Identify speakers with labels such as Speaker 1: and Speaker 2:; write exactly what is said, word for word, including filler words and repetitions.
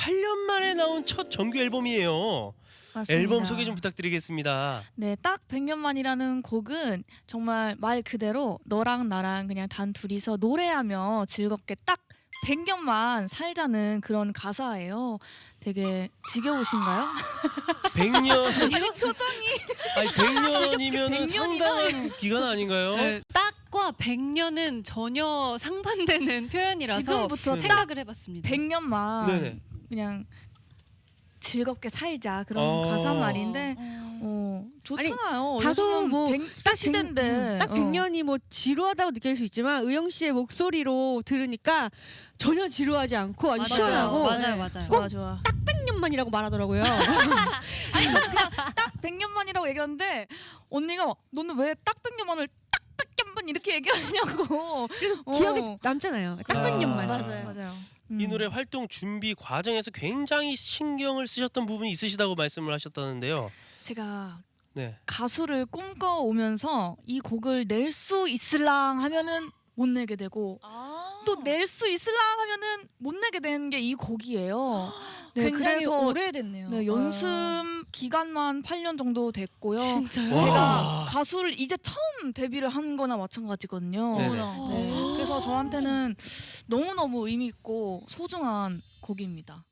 Speaker 1: 팔 년 만에 나온 첫 정규 앨범이에요.
Speaker 2: 맞습니다.
Speaker 1: 앨범 소개 좀 부탁드리겠습니다.
Speaker 2: 네, 딱 백 년 만이라는 곡은 정말 말 그대로 너랑 나랑 그냥 단 둘이서 노래하며 즐겁게 딱 백 년만 살자는 그런 가사예요. 되게 지겨우신가요?
Speaker 1: 백 년
Speaker 2: 아니 표정이
Speaker 1: 아니 백 년이면
Speaker 2: 백 년이나
Speaker 1: 상당한 기간 아닌가요?
Speaker 3: 네, 딱과 백 년은 전혀 상반되는 표현이라서
Speaker 2: 지금부터
Speaker 1: 네.
Speaker 3: 생각을 해봤습니다.
Speaker 2: 백 년만
Speaker 1: 네네.
Speaker 2: 그냥 즐겁게 살자 그런
Speaker 1: 어.
Speaker 2: 가사 말인데 어, 좋잖아요.
Speaker 4: 다소
Speaker 2: 요즘은
Speaker 4: 뭐
Speaker 2: 백, 딱 시대인데
Speaker 4: 음, 딱 백 년이 뭐 지루하다고 느낄 수 있지만 의영 씨의 목소리로 들으니까 전혀 지루하지 않고 아주
Speaker 3: 맞아요,
Speaker 4: 시원하고
Speaker 3: 맞아요, 맞아요.
Speaker 2: 좋아 좋아.
Speaker 4: 딱 백 년만이라고 말하더라고요.
Speaker 2: 아니 저는 그냥 딱 백 년만이라고 얘기하는데 언니가 막, 너는 왜 딱 백 년만을 딱 백 년만 이렇게 얘기하냐고.
Speaker 4: 그래서
Speaker 2: 어.
Speaker 4: 기억에 남잖아요. 딱 백
Speaker 1: 아.
Speaker 4: 년만.
Speaker 3: 맞아요.
Speaker 2: 맞아요.
Speaker 1: 이
Speaker 2: 음.
Speaker 1: 노래 활동 준비 과정에서 굉장히 신경을 쓰셨던 부분이 있으시다고 말씀을 하셨다는데요.
Speaker 2: 제가
Speaker 1: 네.
Speaker 2: 가수를 꿈꿔오면서 이 곡을 낼 수 있을랑 하면은 못 내게 되고
Speaker 5: 아.
Speaker 2: 또 낼 수 있을랑 하면은 못 내게 되는 게 이 곡이에요. 네,
Speaker 5: 굉장히
Speaker 2: 그래서
Speaker 5: 오래됐네요.
Speaker 2: 네, 연습 기간만 팔 년 정도 됐고요.
Speaker 4: 진짜요?
Speaker 1: 와.
Speaker 2: 제가 가수를 이제 처음 데뷔를 한 거나 마찬가지거든요.
Speaker 1: 네네.
Speaker 5: 어머나.
Speaker 2: 네, 그래서 저한테는 너무너무 의미 있고 소중한 곡입니다.